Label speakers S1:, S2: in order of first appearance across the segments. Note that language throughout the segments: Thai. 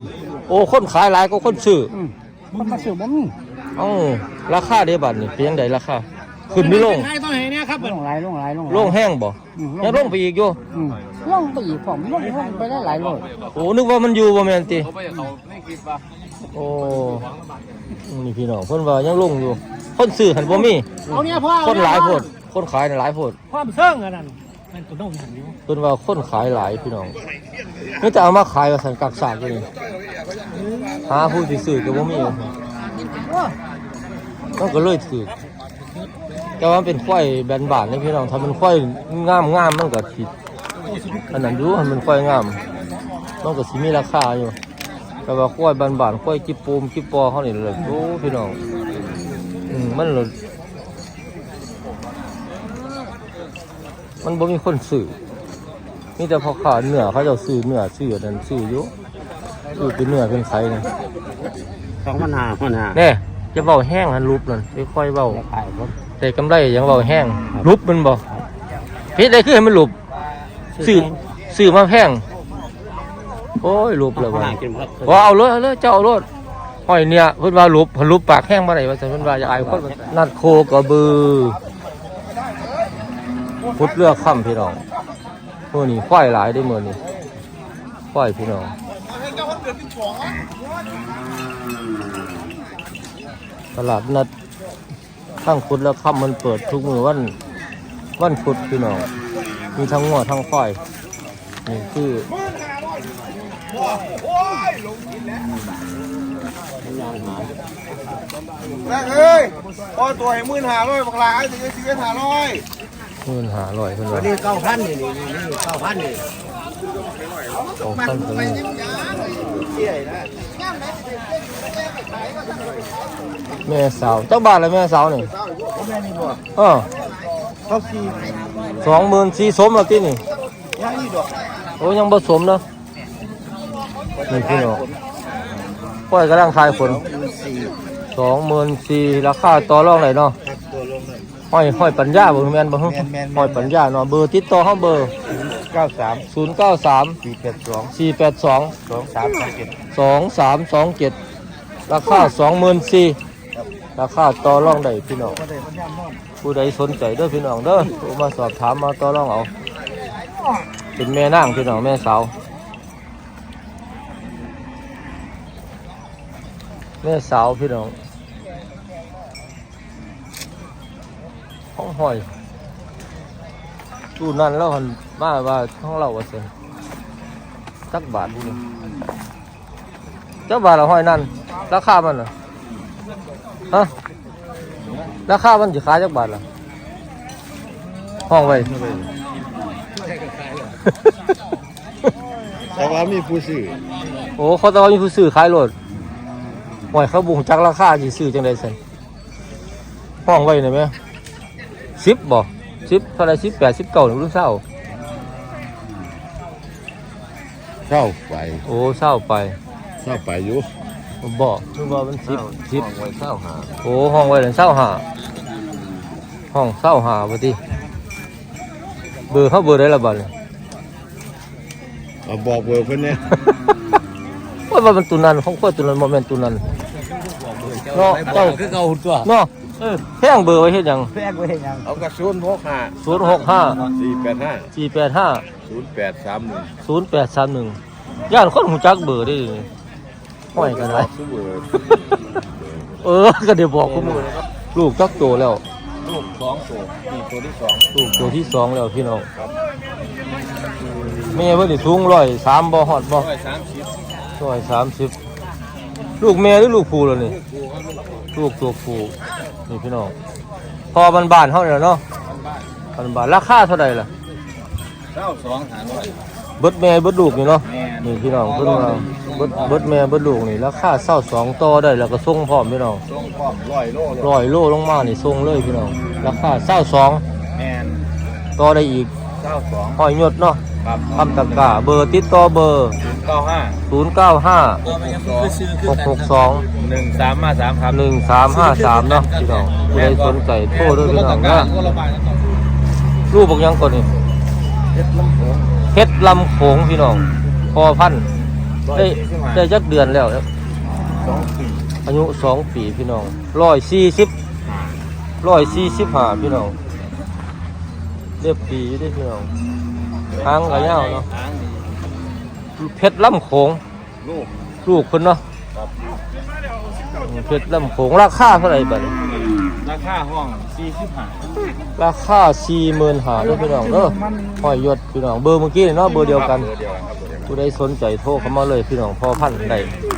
S1: โอ้คนขายหลายก็คนซื้อ
S2: คนมาซื้อบ่มี
S1: ราคาเด้บัดนี่เป็นจังไดราคาขึ้นไม่ลง
S2: ลงหลาย
S1: ลงแห้งบ่ยังลงไปอีกอยู่
S2: ลงไปอีกผมลงไปได้หลายโล
S1: โอ้นึกว่ามันอยู่บ่แม่นติโอ้นี่พี่น้องเพิ่นว่ายังลงอยู่คนซื้อหันบ่มีคนหลายโพดคนขายน่ะหลายโพด
S2: ความเซิงอันนั้นมันตัวโดนหันอยู่
S1: เพิ่นว่าคนขายหลายพี่น้องนี่จะเอามาขายว่าซั่นกักซากอยู่นี่หาผู้สิซื้อก็บ่มีมันก็เลยถูกแต่ว่าเป็นควายแบนบานนี่พี่น้องถ้ามันควายงามมันก็สิอันนั้นดูมันควายงามมันก็สิมีราคาอยู่แต่ว่าควายบานควายจิปูมจิปอเฮานี่แหละโอ้พี่น้องมันบ่มีคนซื้อมีแต่พอขาเนื้อเขาจะซื้อเนื้อซื้อนั่นซื้ออยู่ซื้อเป็นเนื้อเป็นไข่นี่
S2: 2,500
S1: แน่จะเว้าแห้งหันรูปนั่นค่อยๆเว้าแต่กำไรยังเว้าแห้งรูปมันบ่พิษได้คือให้มันรูปซื้อมาแพงโอ้ยรูปแล้วบ่เอาเลยเจ้าเอารถห้อยเนี่ยเพิ่นว่ารูปปากแห้งบ่ได้ว่าซั่นเพิ่นว่าอย่าอายคนนัดโคกระบือพุดเลือกค่ำพี่น้องมื้อนี้ควายหลายได้มื้อนี้ควายพี่น้องตลาดนัดทั้งพุดเลือกค่ำมันเปิดทุกมื้อวันพุธพี่น้องมีทั้งงัวทั้งควายนี่คือ
S3: แม่เอ้ยพอตัวให้15,000บักหลายถึงจะ15,000
S1: 15,000เพิ่นว่า
S2: นี่9,000นี่9,000นี่
S1: 2,000เพิ่นแม่สาวจักบาทละแม่สาวนี่
S3: แม่นี่บ่
S1: เขา24,000สมแล้วตินี่
S3: ยังอีกดอก
S1: โอ้ยังบ่สมเนาะนี่พี่น้องปล่อยกำลังทายฝน24,000ราคาต่อรองได้เนาะห้อยปัญญาบ่แม่นบ่ห้อยปัญญาเนาะเบอร์ติดต่อเฮาเบอร์093 482 2327ราคา 24,000ราคาต่อรองได้พี่น้องผู้ใดสนใจเด้อพี่น้องเด้อโทรมาสอบถามมาต่อรองเอาเป็นแม่นางพี่น้องแม่สาวพี่น้องห้อยตู้นั่นแล้วหันมาว่าห้องเราว่าเสียจักบาทนี่จักบาทละห้อยนั่นราคามันเหรอฮะราคามันจะขายจักบาทล่ะห้องไว้
S3: แต่ว่ามีผู้ซื้อ
S1: โอ้เขาแต่ว่ามีผู้ซื้อขายรถหอยเขาบุกจักราคาสิซื้อจังได๋ซั่นห้องไว้ได้มั้ย10บ่10เท่าไหร่18 19หรือเศร้า
S3: ไป
S1: โอ้เศร้าไป
S3: อยู่
S1: บ่คือว่ามัน10ไว้เศร้าหาโอ้ห้องไว้เศร้าหาห้องเศร้าหาบ่ติเบอร์เขาเบอร์ได้ละบัดนี่
S3: บอกเบอร์เพิ่นเนี่ย
S1: ว่ามันตุนันของข้อยตุนันบ่แม่นตุนันเนาะเจ้า
S2: คือเก่าตัว
S1: เนาะแพงเบอร์ไว้เฮ็ดหยัง
S3: เอากระ
S1: 065 0830 ย่านคนหูจักเบอร์ได้ห้อยกันได้ก็เดี๋ยวบอกกูมื้อลูกจักโตแล้ว
S3: ลูก2ตัวนี่ตัวที่2
S1: ลูกตัวที่2แล้วพี่น้องแม่เพิ่นนี่สูง103บ่ฮอดบ่130ลูกแม่หรือลูกผู้ล่ะนี่ลูกตัวผู้นี่พี่น้องพอบ้านๆเฮานี่เนาะบ้านราคาเท่าใดล่ะ
S3: 22,500
S1: เบิดแม่เบิดลูกนี่เนาะนี่พี่น้องเพิ่นว่าเบิดแม่เบิดลูกนี่ราคา22ต่อได้แล้วก็ส่งพร้อมพี่น้อง
S3: ส่งพร้อม
S1: 100โลลงมานี่ส่งเลยพี่น้องราคา22
S3: แม่น
S1: ต่อได้อีก
S3: 22
S1: ห้อยยศเนาะคำตะกร้าเบอร์ติดต่อเบอร์095 662
S3: 1353ครับ
S1: 1353เนาะพี่น้องผู้ใดสนใจโทรด้วยพี่น้องนะรูปบอกยังก่อนนี่เพชรลำโขงพี่น้องพอพันได้จักเดือนแล้วครับ
S3: 2 ปี
S1: อายุ2 ปีพี่น้อง145พี่น้องเรียบปีได้พี่น้องหางกระยาวเนาะเพชรลำโขง
S3: ลูก
S1: ลูกคนเนาะเพชรลำโขงราคาเท่าไหร่บัดนี้
S3: ราคาห้อง45
S1: ราคา45,000เด้อพี่น้องเด้อห้อยยศพี่น้องเบอร์เมื่อกี้เนาะเบอร์เดียวกันผู้ใดสนใจโทรเข้ามาเลยพี่น้องพอพันได้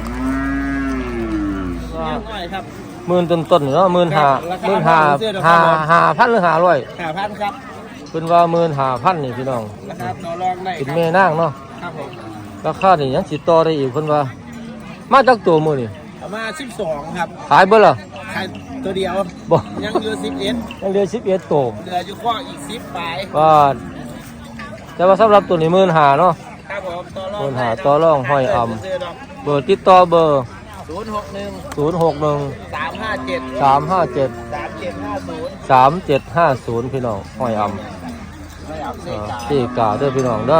S1: หมื่นต้นๆเนาะ15,000 5,000หรือ500
S2: 5,000ครับ
S1: เพิ่นว่า15,000นี่พี่น้อง
S2: ราคาต่อรองได้
S1: เป็นแม่นางเนาะ
S2: ครับผม
S1: ราคานี่ยังสิต่อได้อีกเพิ่นว่ามาจากตัวมื้อนี่
S2: ประมาณ12ครับ
S1: ขายเบิดล่ะ
S2: ขายตัวเดียว
S1: บ่
S2: ยังเหลือ11
S1: ยังเหลือ11ตัว
S2: เหลืออยู่ข้ออีก10ปลาย
S1: ว่าแต่ว่าสำหรับตัวนี้15,000เนาะ
S2: ครับผมต่อรอง
S1: 15,000ต่อรองห้อยอำเบอร์ติดต่อเบอร์
S2: 061
S1: 061
S2: 357
S1: 357
S2: 3750
S1: 3750พี่น้องห้อยอำ
S2: ไม่เอาเสกา
S1: ตีกาเด้อพี่น้องเด้อ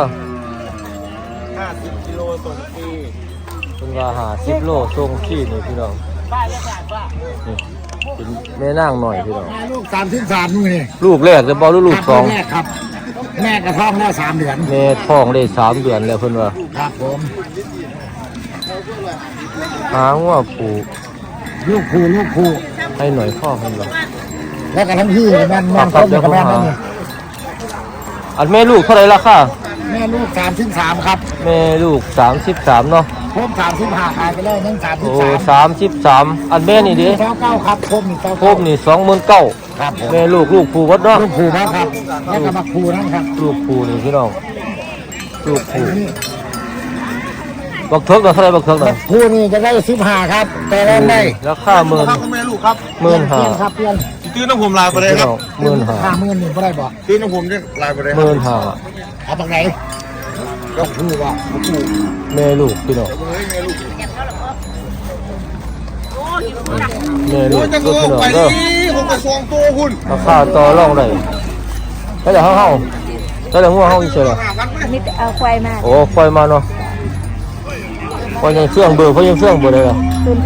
S2: 50 กิโลส่งฟรี
S1: เพิ่นว่า50โลส่งฟรีนี่พี่น้อง
S2: ป้าเรียกป้า
S1: นี่เป็นแม่นางหน่อยพี่น้อง
S2: ลูก33มื้อนี่
S1: ลูกแรกจะบ่หรือลูกสอง
S2: แรกครับ แม่กระท้องแล้ว3เดือน
S1: แม่ท้องได้3เดือนแล้วเพิ่นว่า
S2: ครับผม
S1: หางว่าผู
S2: ลูกคู่
S1: ให้หน่อยพ่อเพิ่นว่า
S2: แล้วก็ทั้งพี่มันครบกับแม่นั่นนี่
S1: อันแม่ลูกเท่าไหร่ราคา
S2: แม่ลูก33ครับ
S1: แม่ลูก33เนาะ
S2: ผม35ขายไปแล้วยัง
S1: โอ้
S2: 33
S1: 33อันแม่นี่ดิ
S2: 29ครับผมนี่
S1: โคมนี่29,000
S2: ครับผม
S1: แม่ลูกผูวัดเนาะ
S2: ลูกคู่ครับแล้วก็มาคู่นั่นครับ
S1: ลูกผูนี่พี่น้องลูกผูบักเทิกเนาะเท่าไหร่บักเทิกเนาะ
S2: คู่นี่จะได้15ครับแต่แรกได้
S1: ราคาหมื่น
S3: ครับแม่ลูกครับ
S2: เปลี่ยนครับเปลี่ยน
S3: ตื้อน้ำผมลายไปเลย
S1: พี่
S3: ครั
S1: น้
S3: บ
S1: องหมื่นห้า
S2: 50,000นี่บ่ได้บ่
S3: ตื้อน้ำผมจะลายไปเลยค
S1: ห
S3: รับ
S1: มื่นห้า
S2: เอาบักไหนก็คู่ว่าคู่
S1: แม่ลูกพี่น้อง
S3: เฮ้ยแม่ลูก
S1: แม่ลู
S3: โอ้
S1: ก
S3: ยจะ
S1: ก็
S3: โง่
S1: พี่น้อง
S3: ไป
S1: เด้อ
S3: นี่ผมกระทรวงตัวคุณ
S1: ราคาต่อรองได้แล้วเดี๋ยวเฮาแล้วเดี๋ยวงัวเฮาอีกเฉย
S4: นี่เอาควายมา
S1: โอ้ไฟมาเนาะไฟยังเฟื่องเบอร์ไฟยังเฟื่องเบอร์เลยเหรอ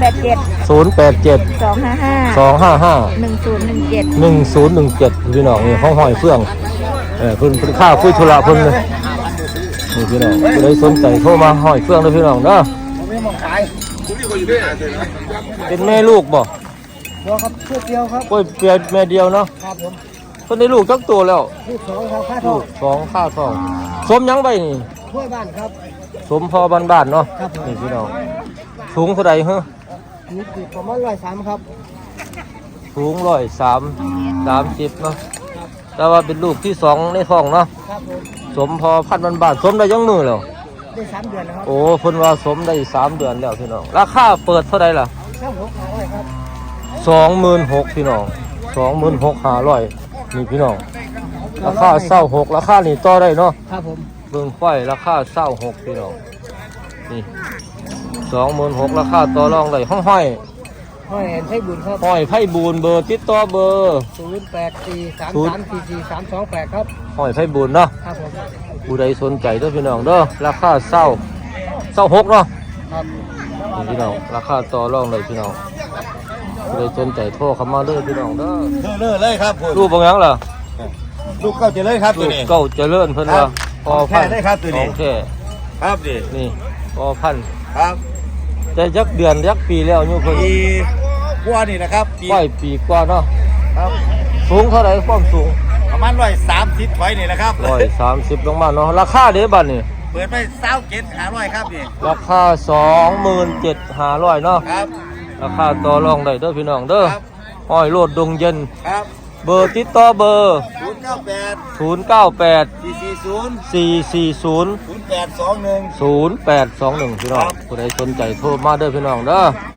S4: 087
S1: 087
S4: 255
S1: 255
S4: 1017
S1: 1017พี่น้องนี่ห้องหอยเฟื่องเพิ่นค่าคุยธุระเพิ่นเลยนี่พี่น้องผู้ใดสนใจโทรมาหอยเฟื่องเด้อพี่น้องเด้อ
S2: ผมไม่มองขาย
S3: คุณนี่ก็อยู่ด้วย
S1: เป็นแม่ลูกบ่
S2: เดียวครับเชือกเดียวครับ
S1: โอ้ยเปียแม่เดียวเนาะ
S2: ครับผม
S1: เพิ่นได้ลูกจักตัวแล้ว
S2: ลูก2ครับค่าท
S1: ลู
S2: อง
S1: กสองค่าทองสมหยังไปนี่
S2: ช่วยบ้านครับ
S1: สมพอบ้านๆเนาะ
S2: ครับผม
S1: นี่พี่น้องสูงเท่าใดฮะ
S2: นี่คือประมาณ103ครับ
S1: สูง130เนาะแต่ว่าเป็นลูกที่2ในท้องเนาะ
S2: ครับผม
S1: สมพอพันธุ์บ้านๆสมได้ยังมือแล้ว
S2: ได้3เดือนแล้วครับ
S1: โอ้เพิ่นว่าสมได้3 เดือนแล้วพี่น้องราคาเปิดเท่าใดล่ะ
S2: ครับผม500ครับ
S1: 26,000พี่น้อง26,500นี่พี่น้องราคา26ราคานี่ต่อได้เนาะ
S2: ครับผม
S1: เบิ่งไฟราคา26พี่น้องนี่26,000ราคาต่อรองได้ห้อย
S2: ห้อยแอนใช้บุญครับ
S1: ห้อยไผ่บูนเบอร์ติดต่อเบอร์
S2: 0843344328ครับ
S1: ห้อยไผ่บูนเนาะ
S2: ครับผม
S1: ผู้ใดสนใจเด้อพี่น้องเด้อราคา26เนาะ
S2: ครับ
S1: นี่พี่น้องราคาต่อรองได้พี่น้องผู้ใดสนใจโทรเข้ามาเด้อพี่น้องเด้อ
S3: เลยครับผม
S1: รูปบางอย่างล่ะ
S3: ลูกเก้าจะเลยครับตั
S1: ลู
S3: ว
S1: ก
S3: นี้
S1: เก้าเจริญเพิ่นว่าพอพัน
S3: ของแท้ได้ครับตัวนี้
S1: ของแท้
S3: ครับดิ
S1: นี่พอพัน
S3: ครับ
S1: แต่ยักเดือนยักปีแล้วอยู่เพิ่น
S3: ปีกว่านี่นะครับปี
S1: ไหวปีกว่าเนาะ
S3: ครับ
S1: สูงเท่าไหร่ความสูง
S3: ประมาณ130ถอยนี่นะครับ
S1: 130ลงมาเนาะราคาเด้บัดนี่
S3: เปิดไป27,500ครับนี่
S1: ราคา 27,500เนาะ
S3: ครับ
S1: ราคาต่อรองได้เด้อพี่น้องเด้อ
S3: ครับ
S1: ห้อยโลดดงเย็น
S3: ครับ
S1: เบอร์ติดต่อเบอร์
S3: 098
S1: 098
S3: 440
S1: 440
S3: 0821
S1: 0821พี่น้องผู้ใดสนใจโทรมาเด้อพี่น้องเด้อ